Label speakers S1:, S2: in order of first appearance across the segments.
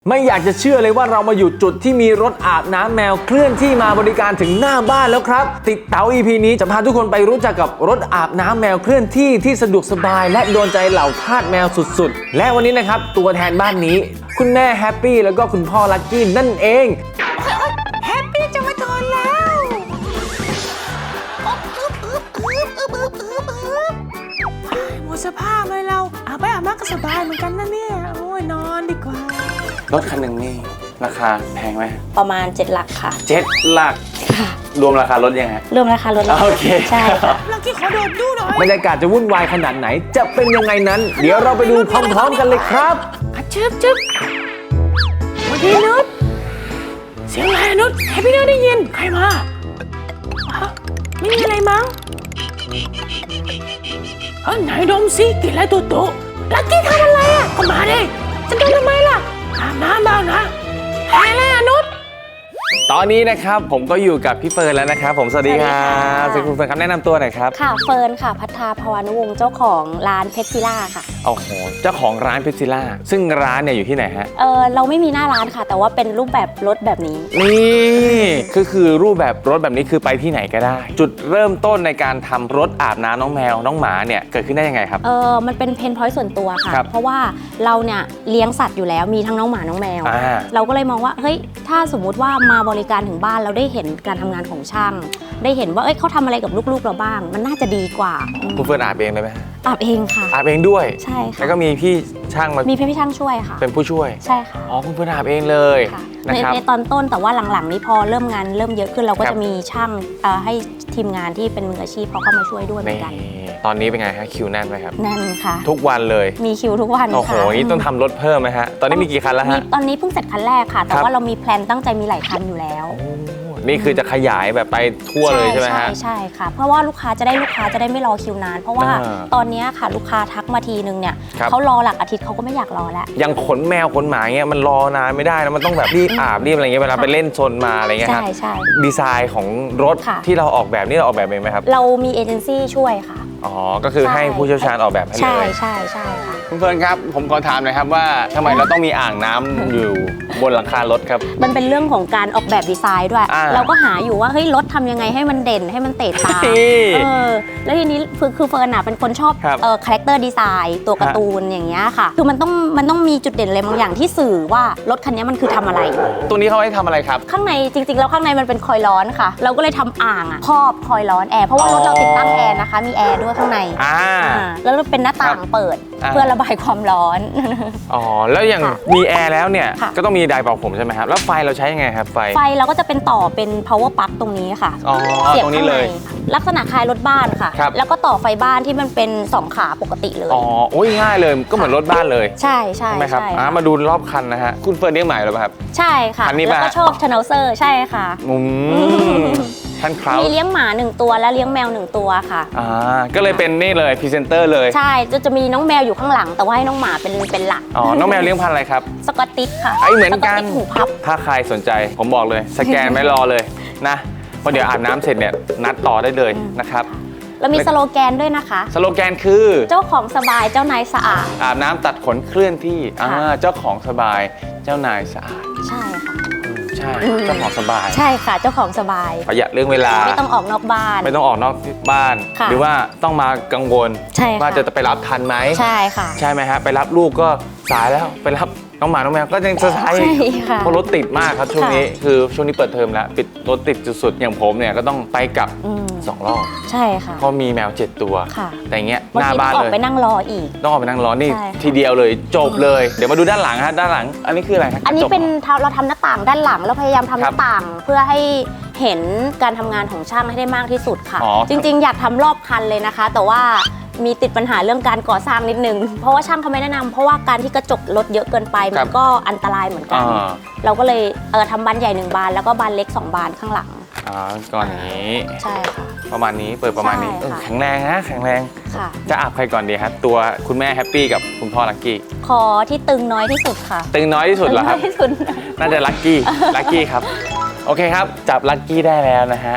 S1: ไม่อยากจะเชื่อเลยว่าเรามาอยู่จุดที่มีรถอาบน้ำแมวเคลื่อนที่มาบริการถึงหน้าบ้านแล้วครับติดเต๋า EP นี้จะพาทุกคนไปรู้จักกับรถอาบน้ำแมวเคลื่อนที่ที่สะดวกสบายและโดนใจเหล่าทาสแมวสุดๆและวันนี้นะครับตัวแทนบ้านนี้คุณแม่แฮปปี้แล้วก็คุณพ่อลักกี้นั่นเอง
S2: แฮปปี้จะมาทอนแล้วหมดสภาพเลยเราอาบไปอาบน้ำก็สบายเหมือนกันนะเนี่ยโอ้ยนอนดีกว่าร
S1: ถคันหนึ่งนี่ราคาแพงไหม
S3: ประมาณ7 หลักค่ะ
S1: 7 หลักรวมราคารถยังไง
S3: รวมราคารถ
S1: โอเค
S3: ใช่ค่ะ
S2: ลักกี้ขอโดดดูหน่อย
S1: บรรยากาศจะวุ่นวายขนาดไหนจะเป็นยังไงนั้นเดี๋ยวเราไปดูพร้อมๆกันเลยครับ
S2: จึ๊บวันนี้นุชเสียงอะไรนุชแฮปปี้ได้ยินใครมาไม่มีอะไรมั้งไหนดมสิกินอะไรตัวโตลักกี้ทำอะไรอ่ะก็มาดิจะโดนทำไมล่ะอาบน้ำบ้างนะแพ้เลยนุช
S1: ตอนนี้นะครับผมก็อยู่กับพี่เฟิร์นแล้วนะครับผมสวัสดีครับสวัสดีคุณเฟิร์นครับแนะนำตัวหน่อยครับ
S3: ค่ะเฟิร์นค่ะพัฒนาภวานุวงศ์เจ้าของร้านเพชรซิล่าค่ะ
S1: โอ้โหเจ้าของร้านเพชรซิล่าซึ่งร้านเนี่ยอยู่ที่ไหนฮะ
S3: เราไม่มีหน้าร้านค่ะแต่ว่าเป็นรูปแบบรถแบบนี้
S1: นี่คือรูปแบบรถแบบนี้คือไปที่ไหนก็ได้จุดเริ่มต้นในการทำรถอาบน้ำน้องแมวน้องหมาเนี่ยเกิดขึ้นได้ยังไงครับ
S3: มันเป็นเพนพอยต์ส่วนตัวค่ะเพราะว่าเราเนี่ยเลี้ยงสัตว์อยู่แล้วมีทั้งน้องหมาน้องแมวเราก็เลยมองว่าเฮ้ยถ้าสมมุติว่ามาบริการถึงบ้านเราได้เห็นการทำงานของช่างได้เห็นว่าเขาทำอะไรกับลูกๆเราบ้างมันน่าจะดีกว่า
S1: คุณเฟิร์นอาบเองเลยไหม
S3: อาบเองค่ะ
S1: อาบเองด้วย
S3: ใช่ค่ะ
S1: แล้วก็มีพี่ช่างมี
S3: พี่ช่างช่วยค่ะ
S1: เป็นผู้ช่วย
S3: ใช่ค่ะ
S1: อ๋อคุณเฟิร์นอาบเองเลย
S3: ในตอนต้นแต่ว่าหลังๆนี้พอเริ่มงานเริ่มเยอะขึ้นเราก็จะมีช่างให้ทีมงานที่เป็นมืออาชีพเขาเข้ามาช่วยด้วยเหมือนกัน
S1: ตอนนี้เป็นไงฮะคิวแน่นไหมครับ
S3: แน่นค่ะ
S1: ทุกวันเลย
S3: มีคิวทุกวันค่ะ
S1: โอ้โหนี่ต้องทำรถเพิ่มไหมฮะตอนนี้มีกี่คันแล้วฮะ
S3: ตอนนี้เพิ่งเสร็จคันแรกค่ะแต่ว่าเรามีแพลนตั้งใจมีหลายคันอยู่แล้ว
S1: นี่คือจะขยายแบบไปทั่วเลยใช่ไหมฮะ
S3: ใช่ค่ะเพราะว่าลูกค้าจะได้ไม่รอคิวนานเพราะว่าตอนนี้ค่ะลูกค้าทักมาทีนึงเนี่ยเขารอหลักอาทิตย์เขาก็ไม่อยากรอแล้ว
S1: ยังขนแมวขนหมาเงี้ยมันรอนานไม่ได้นะมันต้องแบบรีบอาบรีบอะไรเงี้ยเวลาไปเล่นโซนมาอะไรเงี้ยครับ
S3: ใช่
S1: ดีไซน์ของรถที่เราออกแบบนี่เราออกแบบเองไหมครับ
S3: เรามีเอเจนซี่ช่วยค่ะ
S1: อ๋อก็คือให้ผู้เชี่ยวชาญออกแบบให้เลย
S3: ใช่ค่ะ
S1: คุณเฟิร์นครับผมขอถามหน่อยครับว่าทำไมเราต้องมีอ่างน้ำอยู่บนหลังคารถครับ
S3: มันเป็นเรื่องของการออกแบบดีไซน์ด้วยเราก็หาอยู่ว่าเฮ้ยรถทำยังไงให้มันเด่นให้มันเตะตาแล้วทีนี้คือเฟิร์นเป็นคนชอบคาแรคเตอร์ดีไซน์ตัวการ์ตูนอย่างเงี้ยค่ะคือมันต้องมีจุดเด่นอะไรบางอย่างที่สื่อว่ารถคันนี้มันคือทำอะไร
S1: ตัวนี้เขาให้ทำอะไรครับ
S3: ข้างในจริงๆแล้วข้างในมันเป็นคอยล์ร้อนค่ะเราก็เลยทำอ่างครอบคอยล์ร้อนแอร์เพราะว่ารถเราติดตั้งแอร์นะคะมีแอร์ด้วยข้างในแล้วเป็นหน้าต่างเปิดเพื่อระบายความร้อน
S1: อ๋อแล้วอย่างมีแอร์แล้วเนี่ยก็ต้องมีไดร์เป่าผมใช่ไหมครับแล้วไฟเราใช้ยังไงครับไฟ
S3: เราก็จะเป็นต่อเป็น power plug ตรงนี้ค่ะ
S1: เสียบตรงนี้เลย
S3: ลักษณะคล้ายรถบ้านค่ะแล้วก็ต่อไฟบ้านที่มันเป็น2ขาปกติเลย
S1: อ๋อโอ้ยง่ายเลยก็เหมือนรถบ้านเลย
S3: ใช่
S1: ไหมครับมาดูรอบคันนะฮะคุณเฟิร์นเลี้ยงหมาหรือเปล่าครับ
S3: ใช่ค่ะแล้วก็ชอบชาแนลเซอร์ใช่ค่ะ
S1: ท่านครับ
S3: มีเลี้ยงหมา1ตัวและเลี้ยงแมว1ตัวค่ะ
S1: ก็เลยเป็นนี่เลยพรีเซนเตอร์เลย
S3: ใช่จะมีน้องแมวอยู่ข้างหลังแต่ว่าให้น้องหมาเป็นหลัก
S1: น้องแมวเลี้ยงพันธุ์อะไรครับ
S3: สกอตติชค่ะ
S1: เหมือนกัน
S3: หูพับ
S1: ถ้าใครสนใจผมบอกเลยสแกนไม่รอเลยนะเพราะเดี๋ยวอาบน้ำเสร็จเนี่ยนัดต่อได้เลยนะครับ
S3: เรามีสโลแกนด้วยนะคะ
S1: สโลแกนคือ
S3: เจ้าของสบายเจ้านายสะอาด
S1: อาบน้ำตัดขนเคลื่อนที่เจ้าของสบายเจ้านายสะอาด
S3: ใช่ค่ะ
S1: ใช่เจ้าของสบาย
S3: ใช่ค่ะเจ้าของสบาย
S1: ประหยัดเรื่องเวลา
S3: ไม่ต้องออกนอกบ้าน
S1: ไม่ต้องออกนอกบ้านหรือว่าต้องมากังวลว่าจะไปรับทันไหม
S3: ใช่ค่ะ
S1: ใช่ไหมฮะไปรับลูกก็สายแล้วไปรับน้องหมาน้องแมวก็ยังจะใช้เพราะรถติดมากครับช่วงนี้คือช่วงนี้เปิดเทอมแล้วปิดรถติดสุดๆอย่างผมเนี่ยก็ต้องไปกลับ2 รอบ
S3: ใช่ค่ะ
S1: เพราะมีแมว7 ตัวแต่อย่างเงี้ยหน้าบ้านเลย
S3: ไปนั่งรออีก
S1: ต้องออกไปนั่งรอนี่ทีเดียวเลยจบเลยเดี๋ยวมาดูด้านหลังฮะด้านหลังอันนี้คืออะไรครับ
S3: อันนี้เป็นเราทำหน้าต่างด้านหลังแล้วพยายามทำหน้าต่างเพื่อให้เห็นการทำงานของช่างให้ได้มากที่สุดค่ะจริงๆอยากทำรอบคันเลยนะคะแต่ว่ามีติดปัญหาเรื่องการก่อสร้างนิดนึงเพราะว่าช่างเขาไม่แนะนำเพราะว่าการที่กระจกรถเยอะเกินไปมันก็อันตรายเหมือนกันเราก็เลยทำบานใหญ่1 บานแล้วก็บานเล็ก2 บานข้างหลัง
S1: ก่อนนี้
S3: ใช่ค่ะ
S1: ประมาณนี้เปิดประมาณนี้แข็งแรงนะแข็งแรงจะอาบใครก่อนดีครับตัวคุณแม่แฮปปี้กับคุณพ่อลักกี้
S3: ขอที่ตึงน้อยที่สุดค่ะ
S1: ตึงน้อยที่สุดเหรอครับน่าจะลักกี้ครับโอเคครับจับลักกี้ได้แล้วนะฮะค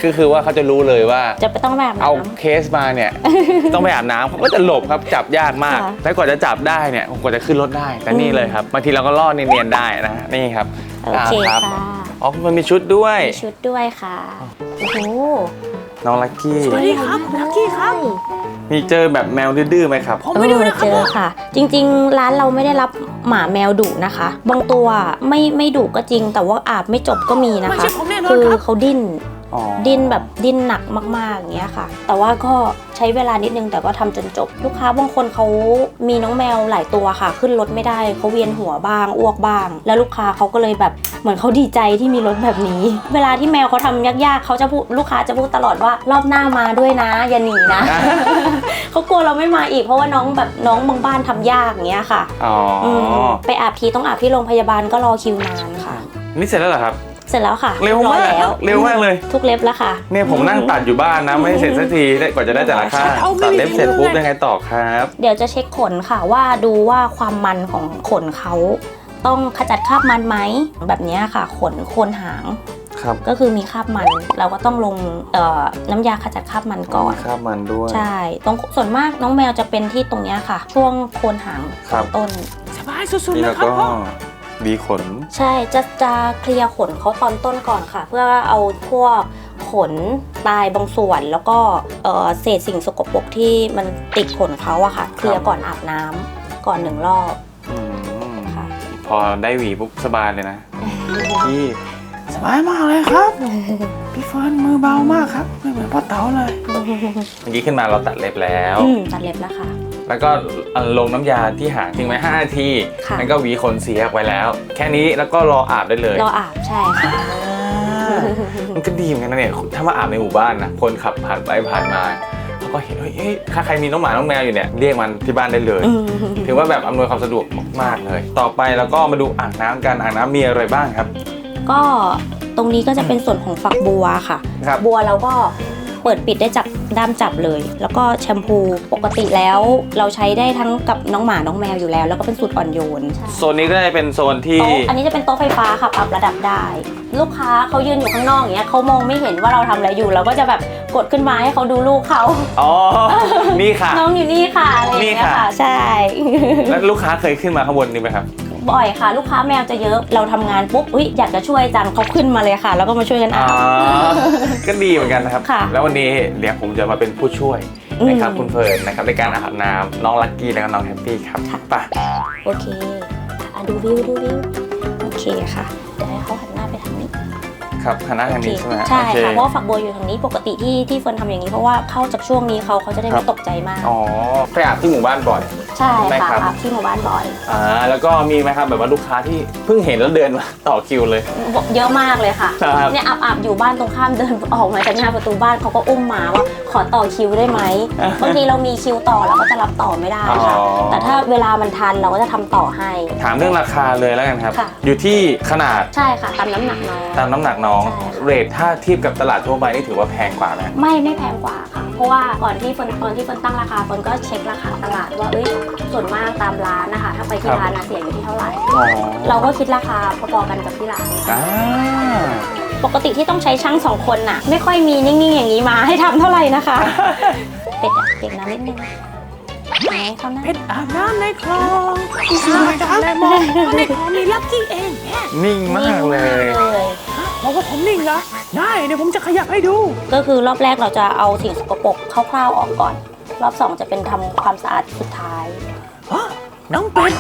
S1: ก็คือว่าเขาจะรู้เลยว่า
S3: จะไปต้องแบบ
S1: เอาเคสมาเนี่ย ต้องไปอาบน้ำเขาก็จะหลบครับจับยากมาก
S3: ค่ะ
S1: แล้วกว่าจะจับได้เนี่ยกว่าจะขึ้นรถได้แต่นี่เลยครับบางทีเราก็ล่อเนียนๆได้นะนี่ครับ
S3: โอเค
S1: ครับ
S3: ค่ะ
S1: อ๋อมันมีชุดด้วย
S3: มีชุดด้วยค่ะโอ้โห
S1: น้องลักกี้
S2: สวัสดีครับคุณลักกี้ครับ
S1: มีเจอแบบแมวดื้อๆไหมครับ
S2: ผมไม่ดูนะค
S3: เจ
S2: รับ
S3: อค่ะ จริงๆ ร้านเราไม่ได้รับหมาแมวดุนะคะ บางตัวไม่ดุก็จริง แต่ว่าอาบไม่จบก็มีนะ
S2: ไม่
S3: คะ
S2: ใช่ผมแน่นอน
S3: คือ
S2: ครับ
S3: เขาดิ้น
S1: อ๋อ
S3: ดิ้นแบบดิ้นหนักมากๆอย่างเงี้ยค่ะ แต่ว่าก็ใช้เวลานิดนึงแต่ก็ทำจนจบ ลูกค้าบางคนเขามีน้องแมวหลายตัวค่ะ ขึ้นรถไม่ได้เขาเวียนหัวบ้างอ้วกบ้าง แล้วลูกค้าเขาก็เลยแบบเหมือนเขาดีใจที่มีรถแบบนี้ เวลาที่แมวเขาทำยากๆเขาจะพูดลูกค้าจะพูดตลอดว่ารอบหน้ามาด้วยนะอย่าหนีนะ เขากลัวเราไม่มาอีกเพราะว่าน้องบางบ้านทำยากอย่างเงี้ยค่ะ
S1: อ๋ออ
S3: ไปอาบทีต้องอาบที่โรงพยาบาลก็รอคิวนานค่ะ
S1: นี่เสร็จแล้วเหรอครับ
S3: เสร็จแล้วค่ะ
S1: เร็วมาก
S3: อยแล้ว
S1: เร็วมากเลย
S3: ทุกเล็บแล้วค่ะ
S1: เนี่ยผมนั่งตัดอยู่บ้านนะไม่เสร็จสักทีกว่าจะได้แต่ละข้างตัดเล็บเสร็จปุ๊บยังไงต่อครับ
S3: เดี๋ยวจะเช็คขนค่ะว่าดูว่าความมันของขนเขาต้องขจัดคราบมันไหมแบบเนี้ยค่ะขนโคนหาง
S1: ครับ
S3: ก็คือมีคราบมัน เราก็ต้องลงน้ำยาขจัดคราบมันก่อน
S1: คราบมันด้วย
S3: ใช่ตรงส่วนมากน้องแมวจะเป็นที่ตรงเนี้ยค่ะ ช่วงโคนหาง
S1: ครับ
S3: ต้น
S2: สบายสุดๆ
S1: นี่
S2: เล
S1: แล้
S2: ยว ครับ
S1: ก็
S2: พ่อ
S1: ดีขน
S3: ใช่จะเคลียร์ขนเขาตอนต้นก่อนค่ะ เพื่อเอาพวกขนตายบางส่วนแล้วก็เศษสิ่งสกปรกที่มันติดขนเขาอะค่ะเคลียร์ก่อนอาบน้ำก่อน1 รอบ
S1: อืม
S3: ค่ะ
S1: พอได้หวีปุ๊บสบายเลยนะพี่
S2: สบายมากเลยครับ พี่เฟิร์นมือเบามากครับไม่เหมือนพ่อเต๋าเลย
S1: เมื่อกี้ขึ้นมาเราตัดเล็บแล้ว
S3: ตัดเล็บแล้วค่ะ
S1: แล้วก็ลงน้ำยาที่หางทิ้งไว้5 นาที
S3: ค่ะ
S1: นั่นก็หวีขนเสียออกไปแล้ว แค่นี้แล้วก็รออาบได้เลย
S3: รออาบใช่ค่ะ
S1: มันก็ดีเหมือนกันนะเนี่ยถ้ามาอาบในหมู่บ้านนะคนขับผ่านไปผ่านมาเขาก็เห็นเฮ้ยถ้าใครมีน้องหมาน้องแมวอยู่เนี่ยเรียกมันที่บ้านได้เลย ถือว่าแบบอำนวยความสะดวกมากๆเลย ต่อไปแล้วก็มาดูอ่างน้ำกันอ่างน้ำมีอะไรบ้างครับ
S3: ก็ตรงนี้ก็จะเป็นส่วนของฝักบัวค่ะ
S1: ครับ
S3: บัวเราก็เปิดปิดได้จากด้ามจับเลย แล้วก็แชมพูปกติแล้วเราใช้ได้ทั้งกับน้องหมาน้องแมวอยู่แล้ว แล้วก็เป็นสูตรอ่อนโยน
S1: โซนนี้ก็จะเป็นโซนที่
S3: โต๊ะอันนี้จะเป็นโต๊ะไฟฟ้าค่ะปรับระดับได้ ลูกค้าเขายืนอยู่ข้างนอกอย่างเงี้ยเขามองไม่เห็นว่าเราทำอะไรอยู่เราก็จะแบบกดขึ้นมาให้เขาดูลูกเขา
S1: อ๋อ นี่ค่ะ
S3: น้องอยู่นี่ค่ะอะไรอย่างเงี้ย
S1: นี่ค่ะ
S3: ค่ะใช่
S1: แล้วลูกค้าเคยขึ้นมาข้างบนนี้ไหมครับ
S3: บ่อยค่ะ ลูกค้าแมวจะเยอะเราทำงานปุ๊บอยากจะช่วยจังเขาขึ้นมาเลยค่ะ แล้วก็มาช่วยกัน
S1: อ๋
S3: อา
S1: อบ ก็ดีเหมือนกันนะครับ
S3: ค่ะ
S1: แล้ววันนี้เดี๋ยวผมจะมาเป็นผู้ช่วยนะครับคุณเฟิร์นนะครับในการอาบน้ำน้องลักกี้และก็น้องแฮปปี้ครับไป
S3: โอเคดูวิวโอเคค่ะเดี๋ยวให้เขาหันหน้าไปทางนี้
S1: ครับหันหน้าทางนี้ใช่ไหม
S3: ใช่
S1: โอเค
S3: ค่ะเพราะว่าฝักบัวอยู่ทางนี้ปกติที่เฟิร์นทำอย่างนี้เพราะว่าเข้าจากช่วงนี้เขาจะได้
S1: ครั
S3: ไม่
S1: บ
S3: ตกใจมาก
S1: อ๋อไปอาบที่หมู่บ้านบ่อย
S3: ใช่
S1: ได้
S3: ค่ะ
S1: ครับ
S3: อาบที่หมู่บ้านบ่อย
S1: แล้วก็มีไหมครับแบบว่าลูกค้าที่เพิ่งเห็นแล้วเดินมาต่อคิวเลย
S3: เยอะมากเลยค่ะ
S1: ครับ
S3: เนี่ยอาบอยู่บ้านตรงข้ามเดินออกมาจากหน้าประตูบ้านเขาก็อุ้มมาว่าขอต่อคิวได้ไหมบางทีเรามีคิวต่อเราก็จะรับต่อไม่ได้ค่ะ
S1: อ๋อ
S3: แต่ถ้าเวลามันทันเราก็จะทำต่อให้
S1: ถามเรื่องราคาเลยแล้วกันครับ
S3: ค่ะ
S1: อยู่ที่ขนาด
S3: ใช่ค่ะตามน้ำหนักน้อง
S1: ตามน้ำหนักน้อง
S3: ใช่ค่ะ
S1: เรทถ้าเทียบกับตลาดทั่วไปนี่ถือว่าแพงกว่าไหม
S3: ไม่แพงกว่าค่ะ เพราะว่าก่อนที่เฟิร์นตั้งราคาเฟิร์นก็เช็คราคาตลาดว่าส่วนมากตามร้านนะคะถ้าไปที่ร้านนะเสียอยู่ที่เท่าไหร่
S1: อ๋อ
S3: เราก็คิดราคาพอๆกันกับที่ร้าน
S1: อ่า
S3: ปกติที่ต้องใช้ช่าง2 คนน่ะ ไม่ค่อยมีนิ่งๆอย่างนี้มาให้ทำเท่าไหร่นะคะ เป็ดอะเก็บน้ำนิดนึงไหนเขานะ
S2: เพชรอาบน้ำในคลองสบายจังเลยมองว่าในคลองมีลักกี้เองแม่
S1: นิ่งมากเลย
S2: บอกว่าผมนิ่งเหรอได้เดี๋ยวผมจะขยับให้ดู
S3: ก็คือรอบแรกเราจะเอาสิ่งสกปรกคร่าวๆออกก่อน รอบ 2จะเป็นทำความสะอาดสุดท้าย
S2: น้องเป็ด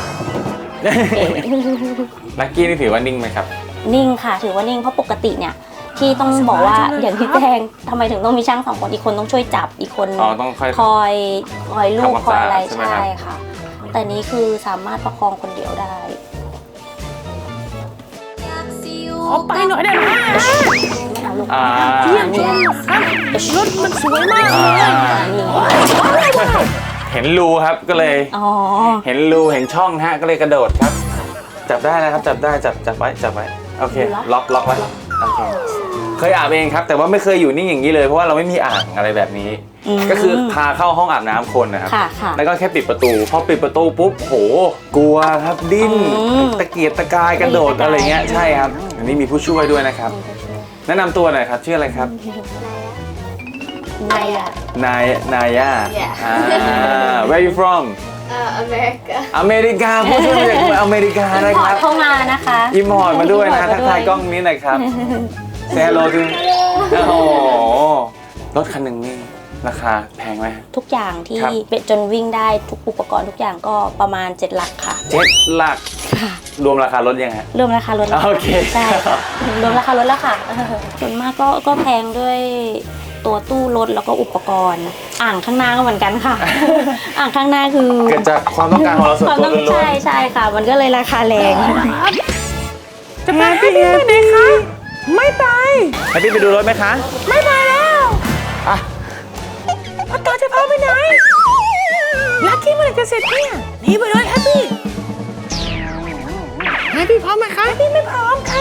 S1: ลักกี้นี่ถือว่านิ่งไหมครับ
S3: นิ่งค่ะถือว่านิ่งเพราะปกติเนี่ยที่ต้องบอกว่าอย่างที่แจ้งทำไมถึงต้องมีช่าง2 คนอีกคนต้องช่วยจับอีกคน
S1: อ๋อต้องค่อย
S3: คอยลูก
S1: ทำความ
S3: คอยอะไร
S1: สะอาดใช่ไหมครับ
S3: ใช่ค่ะ แต่นี้คือสามารถประคองคนเดียวได้
S2: ขอไปหน่อยได้ไหม
S3: ไม่เอาลูก
S2: เยี่ยมชมครับรถมันสวยมากเลย
S3: นี่
S1: เห็นรูครับก็เลย
S3: อ๋อ
S1: เห็นรูเห็นช่องฮะก็เลยกระโดดครับ จับได้นะครับจับได้จับไว้โอเคล็อกไว้โอเคเคยอาบเองครับ แต่ว่าไม่เคยอยู่นิ่งอย่างนี้เลยเพราะว่าเราไม่มีอ่างอะไรแบบนี้ ก็คือพาเข้าห้องอาบน้ำคนนะครับ
S3: ค่ะ
S1: แล้วก็แค่ปิดประตูพอปิดประตูปุ๊บโหกลัวครับดิ้นตะเกียกตะกายกระโดดอะไรเงี้ยใช่ครับอันนี้มีผู้ช่วยด้วยนะครับแนะนำตัวหน่อยครับชื่ออะไรครับ
S3: นายอะ
S1: นายา
S4: Yeah.
S1: Where you from
S4: America.
S1: อเมริกาผู้ช่วยมาจากอเมริกานะ
S3: พ
S1: ค
S3: อ
S1: รั
S3: ร์
S1: บ
S3: ตเข้ามานะคะ
S1: อิมพอร์ตมาด้วยนะ
S3: import
S1: ทักทายกล้องนี้หน่อยครับเซโลถึงโอ้โหรถคันหนึ่งนี่ราคาแพงไหม
S3: ทุกอย่างที่
S1: ครับ
S3: เป็นจนวิ่งได้ทุกอุปกรณ์ทุกอย่างก็ประมาณ 7 หลักค่ะ
S1: 7 หลัก
S3: ค่ะ
S1: รวมราคารถยังไง
S3: รวมราคารถแล้ว
S1: โอเค
S3: ใช่ค่ะรวมราคารถแล้วค่ะส่วนมากก็แพงด้วยตัวตู้รถแล้วก็อุปกรณ์ อ่างข้างหน้าก็เหมือนกันค่ะ อ่างข้างหน้าคือ
S1: เกิดจากความต้องการของเราส่วน
S3: ความ
S1: ตัว
S3: ต้อง
S1: ล้วน
S3: ใช่ค่ะ มันก็เลยราคาแรง
S2: จะไปให้พี่ไปไหนคะไม่ไป
S1: ๆให้พี่ไปดูรถไหมคะ
S2: ไม่ไปแล้ว
S1: อ่ะ
S2: พ่อตาจะพาไปไหนลักกี้เมื่อไหร่จะเสร็จเนี่ยหนี่ไปเลยแฮปปี้แฮปปี้พร้อมไหมคะแฮปปี้ไม่พร้อมค่ะ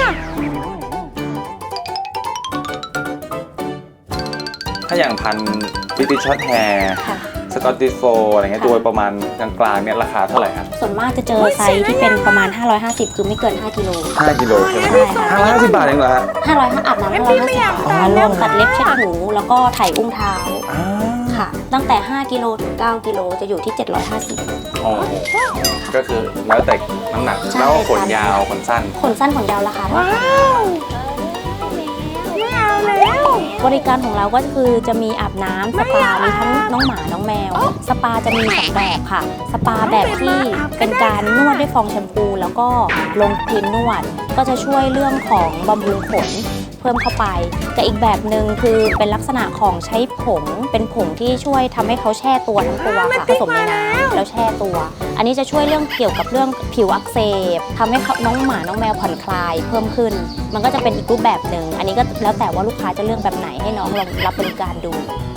S1: ถ้าอย่างพันบิติช็อตแฮร์
S3: ค่ะ
S1: สกอตติชโฟอะไรเงี้ยโดยประมาณกลางๆเนี่ยราคาเท่าไหร่ครับ
S3: ส่วนมากจะเจอไซส์ที่เป็นประมาณ 550 คือไม่เกิน 5 กิโล
S1: 5 กิโลใช่ไหม
S3: ใช่ค่ะ
S1: 550 บาทเองเหรอฮะ
S3: 500อาบน้ำ550อ๋อรวมตัดเล็บเช็ดหูแล้วก็ไถอุ้งเท้า
S1: อ่า
S3: ค่ะ ตั้งแต่ 5 กิโลถึง 9 กิโลจะอยู่ที่ 750
S1: โอ้โหก็คือแล้วแต่น้ำหนัก
S3: ใช่
S1: แล้วก็ขน
S3: ค่ะ
S1: ยาวขนสั้น
S3: ขนสั้นขนยาวราคาเท่า
S2: ว้า
S3: กัน
S2: วไม่เอาแล้ว
S3: บริการของเราก็คือจะมีอาบน้ำสปา มีทั้งน้องหมา น้องแมว สปาจะมีสองแบบค่ะ สปาแบบที่เป็นการนวดด้วยฟองแชมพู แล้วก็ลงครีมนวด ก็จะช่วยเรื่องของบำรุงขนเพิ่มเข้าไป แต่อีกแบบหนึ่งคือเป็นลักษณะของใช้ผง เป็นผงที่ช่วยทำให้เขาแช่ตัวทั้งตัวค่ะผสมในน้ำแล้วแช่ตัว อันนี้จะช่วยเรื่องเกี่ยวกับเรื่องผิวอักเสบทำให้น้องหมา น้องแมวผ่อนคลายเพิ่มขึ้น มันก็จะเป็นอีกรูปแบบหนึ่ง อันนี้ก็แล้วแต่ว่าลูกค้าจะเลือกแบบไหนให้น้องลองรับบริการดู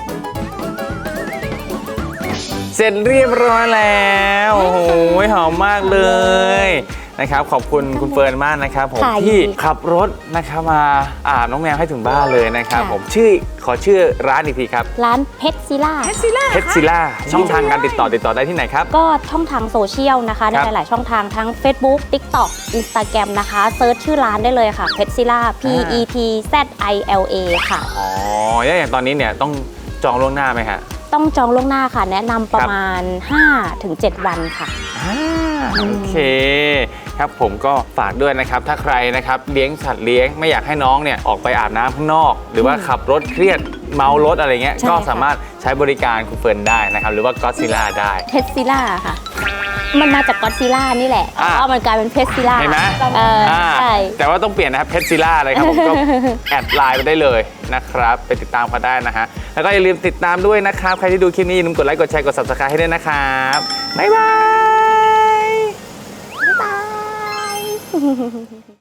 S1: เสร็จเรียบร้อยแล้วโอ้โหหอมมากเลยนะครับขอบคุณคุณเฟิร์นมากนะครับผม
S3: ค่ะ
S1: ที่
S3: ยินดี
S1: ขับรถนะครับมาอาบน้องแมวให้ถึงบ้านเลยนะครับ
S3: ค่ะ
S1: ผมขอชื่อร้านอีกทีครับ
S3: ร้านเพชรซิล่า
S2: แฮปซี่ล่า
S1: เพชรซิล่าช่องทางการติดต่อได้ที่ไหนครับ
S3: ก็ช่องทางโซเชียลนะคะใน
S1: ครับ
S3: หลาย ๆ ช่องทางทั้ง Facebook TikTok Instagram นะคะเซิร์ชชื่อร้านได้เลยค่ะเพชรซิล่า PETZILA ค่ะ
S1: อ๋อแล้วอย่างตอนนี้เนี่ยต้องจองล่วงหน้าไหมฮะ
S3: ต้องจองล่วงหน้าค่ะ แนะนำประมาณ 5-7 วันค่ะ
S1: โอเคครับผมก็ฝากด้วยนะครับถ้าใครนะครับเลี้ยงสัตว์เลี้ยงไม่อยากให้น้องเนี่ยออกไปอาบน้ำข้างนอก หรือว่าขับรถเครียดเมารถอะไรเงี้ย
S3: ใช่
S1: ก็
S3: ค่ะ
S1: สามารถใช้บริการคุณเฟิร์นได้นะครับหรือว่าก็ซิล่าได้
S3: เพชรซิล่าค่ะ มันมาจากก็อดซิล่านี่แหละ
S1: อ่ะ
S3: ก็มันกลายเป็นเพชรซิล่า
S1: เห็นไหม
S3: ใช่
S1: แต่ว่าต้องเปลี่ยนนะครับเพชรซิล่าเลยครับผมก็ แอดไลน์ไปได้เลยนะครับไปติดตามเขาได้นะฮะแล้วก็อย่าลืมติดตามด้วยนะครับใครที่ดูคลิปนี้อย่าลืมกดไลค์กดแชร์กด subscribe ให้ด้วยนะครับบ๊ายบาย
S3: บ๊ายบาย